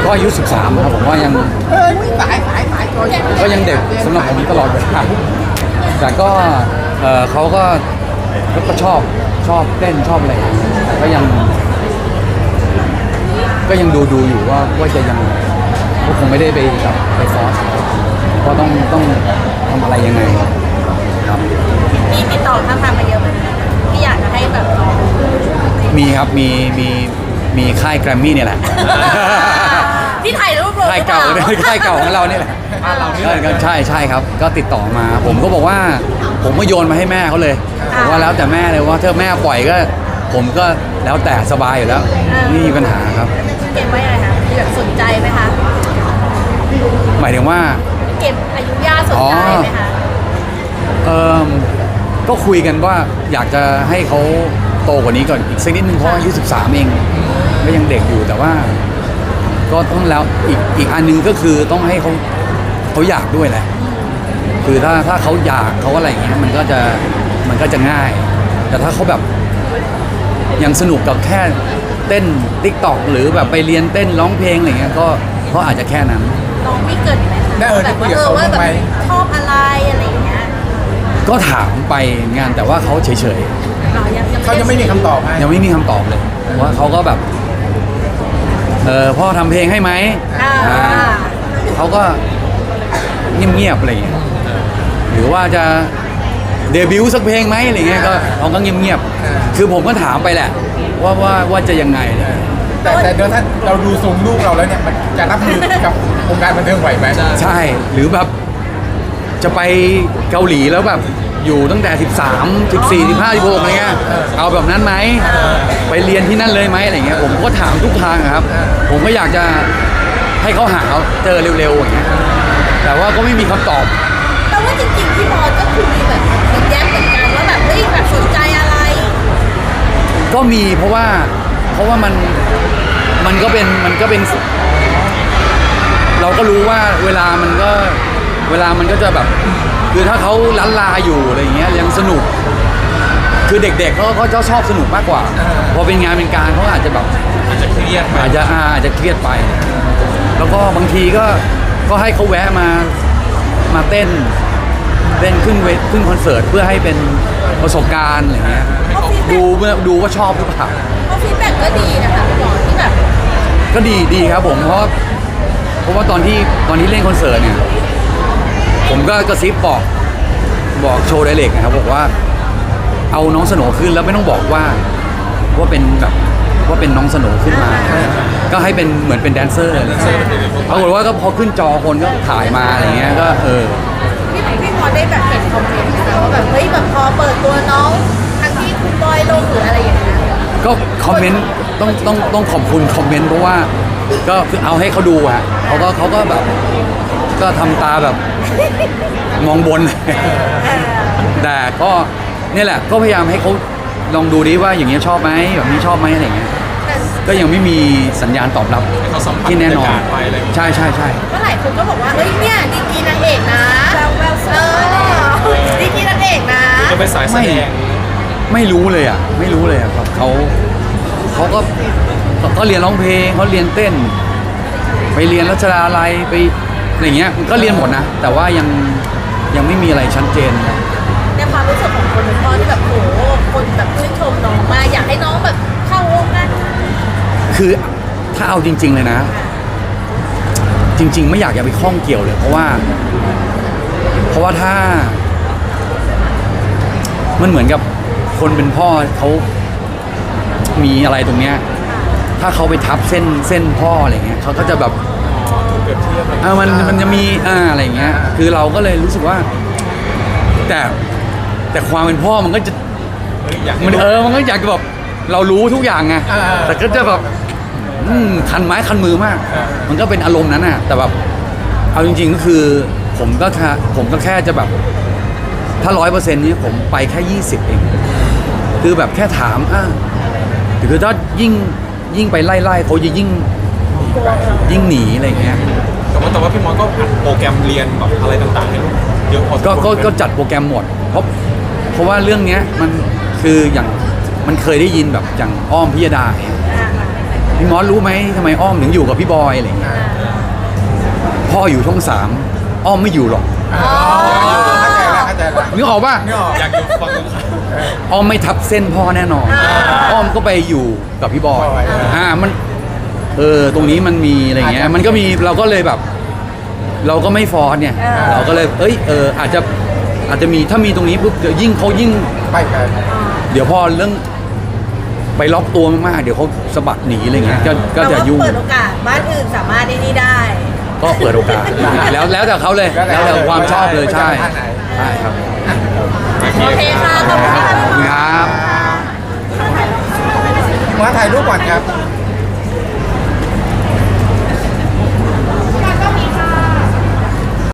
ก็อายุ13ครับผมว่ายังก็ยังเด็กสำหรับผมตลอดเวลาแต่ก็เขาก็ชอบเต้นชอบอะไรแต่ก็ยังดูอยู่ว่าจะยังก็คงไม่ได้ไปแบบไปฟอร์สก็ต้องทำอะไรยังไงครับมีติดต่อทางมาเยอะไหมที่อยากจะให้แบบน้องมีครับมีค่ายแกรมมี่เนี่ยแหละที่ถ่ายรูปลงค่ายเก่าค่ายเก่าของเราเนี่ยแหละใช่ครับก็ติดต่อมาผมก็บอกว่าผมก็โยนมาให้แม่เขาเลยบอกว่าแล้วแต่แม่เลยว่าถ้าแม่ปล่อยก็ผมก็แล้วแต่สบายอยู่แล้วไม่มีปัญหาครับเก็บไว้อะไรคะแบบสนใจไหมคะหมายถึงว่าเก็บอายุย่าสนใจไหมคะก็คุยกันว่าอยากจะให้เขาโตกว่านี้ก่อนอีกสักนิดนึงเพราะอายุ13เองก็ยังเด็กอยู่แต่ว่าก็ต้องแล้วอีกอันนึงก็คือต้องให้เขาอยากด้วยแหละคือถ้าเขาอยากเขาอะไรอย่างเงี้ยมันก็จะง่ายแต่ถ้าเขาแบบยังสนุกกับแค่เต้น TikTok หรือแบบไปเรียนเต้นร้องเพลงอะไรเงี้ยก็อาจจะแค่นั้นน้องมีเกิดไหมแบบว่าแบบชอบอะไรอะไรอย่างเงี้ยก็ถามไปงานแต่ว่าเขาเฉยๆเขายังไม่มีคำตอบให้ยังไม่มีคำตอบเลยว่าเขาก็แบบพ่อทำเพลงให้ไหมเขาก็เงียบๆอะไรอย่างเงี้ยหรือว่าจะเดบิวต์สักเพลงไหมอะไรเงี้ยก็เขาก็เงียบๆคือผมก็ถามไปแหละว่าจะยังไงแต่เดี๋ยวถ้าเราดูทรงลูกเราแล้วเนี่ยมันจะรับมือกับวงการบันเทิงไหวไหมใช่หรือแบบจะไปเกาหลีแล้วแบบอยู่ตั้งแต่13 14 15 16อะไรเงี้ยเอาแบบนั้นไหมไปเรียนที่นั่นเลยไหมอะไรเงี้ยผมก็ถามทุกทางครับผมก็อยากจะให้เขาหาเจอเร็วๆอย่างเงี้ยแต่ว่าก็ไม่มีคำตอบแต่ว่าจริงๆพี่บอลก็คือมีแบบแย้มเหมือนกันว่าแบบเฮ้ยแบบสนใจอะไรก็มีเพราะว่ามันก็เป็นเราก็รู้ว่าเวลามันก็จะแบบคือถ้าเขาล้านลาอยู่อะไรอย่างเงี้ยยังสนุกคือเด็กๆเขาชอบสนุกมากกว่าพอเป็นงานเป็นการเขาอาจจะแบบอาจจะเครียดอาจจะเครียดไปแล้วก็บางทีก็ให้เขาแวะมาเต้นขึ้นคอนเสิร์ตเพื่อให้เป็นประสบการณ์อะไรเงี้ยดูว่าชอบหรือเปล่าเพราะฟีดแบ็กก็ดีนะคะพี่บอลที่แบบก็ดีครับผมเพราะว่าตอนที่เล่นคอนเสิร์ตเนี่ยผมก็กระซิบบอกโชว์ไดเรกนะครับบอกว่าเอาน้องสโหน่ขึ้นแล้วไม่ต้องบอกว่าเป็นน้องสโหน่ขึ้นมาก็ให้เป็นเหมือนเป็นแดนเซอร์ปรากฏว่าก็พอขึ้นจอคนก็ถ่ายมาอะไรเงี้ยก็พี่พอได้แบบเห็นคอมเมนต์นะว่าแบบเฮ้ยแบบพอเปิดตัวน้องทั้งที่คุณบอยลงหรืออะไรอย่างเงี้ยก็คอมเมนต์ต้องขอบคุณคอมเมนต์เพราะว่าก็คือเอาให้เขาดูฮะเขาก็แบบก็ทำตาแบบมองบนแต่ก็นี่แหละก็พยายามให้เขาลองดูดิว่าอย่างเงี้ยชอบไหมแบบนี้ชอบไหมอะไรเงี้ยก็ยังไม่มีสัญญาณตอบรับที่แน่นอนใช่ก็หลายคนก็บอกว่าเฮ้ยเนี่ยดีกีนางเอกนะดีกีนางเอกนะจะไปสายแสดงไม่รู้เลยครับเขาก็เรียนร้องเพลงเขาเรียนเต้นไปเรียนรัชดาลัยไปอะไรเงี้ยก็เรียนหมดนะแต่ว่ายังไม่มีอะไรชัดเจนในความรู้สึกของคนเป็นพ่อที่แบบโหคนแบบชื่นชมน้องมาอยากให้น้องแบบเข้าวงการคือถ้าเอาจริงๆเลยนะจริงๆไม่อยากไปข้องเกี่ยวเลยเพราะว่าถ้ามันเหมือนกับคนเป็นพ่อเขามีอะไรตรงเนี้ยถ้าเขาไปทับเส้นพ่ออะไรเงี้ยเขาก็จะแบบมันจะมีอะไรเงี้ยคือเราก็เลยรู้สึกว่าแต่ความเป็นพ่อมันก็จะมันก็อยากจะแบบเรารู้ทุกอย่างไงแต่ก็จะแบบคันไม้คันมือมากมันก็เป็นอารมณ์นั้นน่ะแต่แบบเอาจริงๆก็คือผมก็แค่จะแบบถ้า 100% นี้ผมไปแค่20เองคือแบบแค่ถามคือถ้ายิ่งไปไล่เขาจะยิ่งหนีอะไรเงี้ยแต่ว่าพี่มอสก็อัดโปรแกรมเรียนแบบอะไรต่างๆให้ลูกเยอะพอก็จัดโปรแกรมหมดเพราะว่าเรื่องเนี้ยมันคืออย่างมันเคยได้ยินแบบอย่างอ้อมพิยดาพี่มอสรู้ไหมทำไมอ้อมถึงอยู่กับพี่บอยอะไรอย่างเงี้ยพ่ออยู่ช่องสามอ้อมไม่อยู่หรอกเข้าใจละเข้าใจละนึกออกป่ะนี่ออกอยากอยู่ฟังตรงข้ามอ้อมไม่ทับเส้นพ่อแน่นอนอ้อมก็ไปอยู่กับพี่บอยมันตรงนี้มันมีอะไรเงี้ยมันก็มีเราก็เลยแบบ เราก็ไม่ฟอร์สเนี่ยเราก็เลยอาจจะมีถ้ามีตรงนี้ปุ๊บเดี๋ยวยิ่งเขายิ่งไปกันเดี๋ยวพอเรื่องไปล็อกตัวมากๆเดี๋ยวเขาสะบัดหนีอะไรเงี้ยก็จะยุ่งเปิดโอกาสบ้านอื่นสามารถได้นี่ได้ก็เปิดโอกาสแล้วแต่เขาเลยแล้วแต่ความชอบเลยใช่ใช่ครับโอเคค่ะ ขอบคุณค่ะครับมาถ่ายรูปก่อนครับ